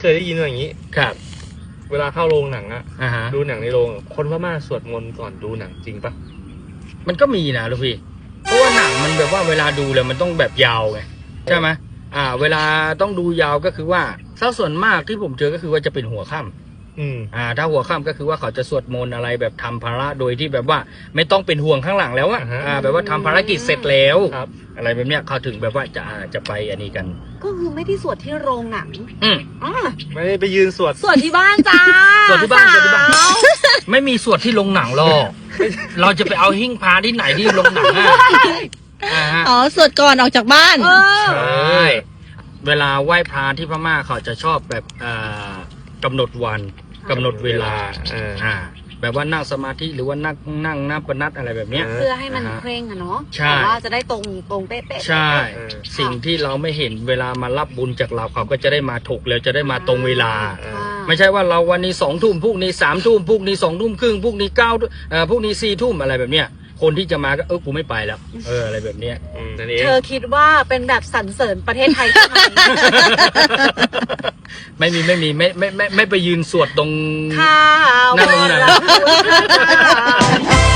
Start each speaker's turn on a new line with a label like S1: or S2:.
S1: เคยได้ยินอย่างนี้
S2: ครับ
S1: เวลาเข้าโรงหนังอะ
S2: ฮะ
S1: ดูหนังในโรงคนพม่าสวดมนต์ก่อนดูหนังจริงปะ
S2: มันก็มีนะลูกพี่เพราะว่าหนังมันแบบว่าเวลาดูแล้วมันต้องแบบยาวไงใช่ไหมเวลาต้องดูยาวก็คือว่าถ้าส่วนมากที่ผมเจอก็คือว่าจะเป็นหัวค่ำถ้าหัวค่ำก็คือว่าเขาจะสวดมนต์อะไรแบบทำภาระโดยที่แบบว่าไม่ต้องเป็นห่วงข้างหลังแล้วแบบว่าทำภารกิจเสร็จแล้วอะไรแบบเนี้ยเขาถึงแบบว่าจะไปอันนี้กัน
S3: ก็คือไม่ได้สวดที่โรงหนัง
S1: ไม่ได้ไปยืนสวด
S3: สวดที่บ้านจ้า
S2: สวดที่บ้าน
S3: สว
S2: ไม่มีสวดที่โรงหนังหรอกเราจะไปเอาหิ้งพระที่ไหนที่โรงหนัง
S4: อ๋อสวดก่อนออกจากบ้าน
S2: ใช่เวลาไหว้พระที่พม่าเขาจะชอบแบบกำหนดวันกำหนดเวลาแบบว่านั่งสมาธิหรือว่านั่งนับนัดอะไรแบบเนี้ย
S3: เพื่อให้มันเคร่งอะเนาะ
S2: ใช่
S3: แต่ว่าจะได้ตรงเป๊ะๆ
S2: ใช่ สิ่งที่เราไม่เห็นเวลามารับบุญจากเราเขาก็จะได้มาถูกแล้วจะได้มาตรงเวลา ไม่ใช่ว่าเราวันนี้2 ทุ่มพรุ่งนี้3 ทุ่มพรุ่งนี้2 ทุ่มครึ่งพรุ่งนี้9พรุ่งนี้4 ทุ่มอะไรแบบเนี้ยคนที่จะมาก็กูไม่ไปแล้วอะไรแบบเนี้ย
S1: นั่นเอง
S3: เธอคิดว่าเป็นแบบสรรเสริญประเทศไทยใช่ไหม
S2: ไม่ไปยืนสวดตรง
S3: ข้าว
S2: นั่งลงหนัง
S3: ละคุณ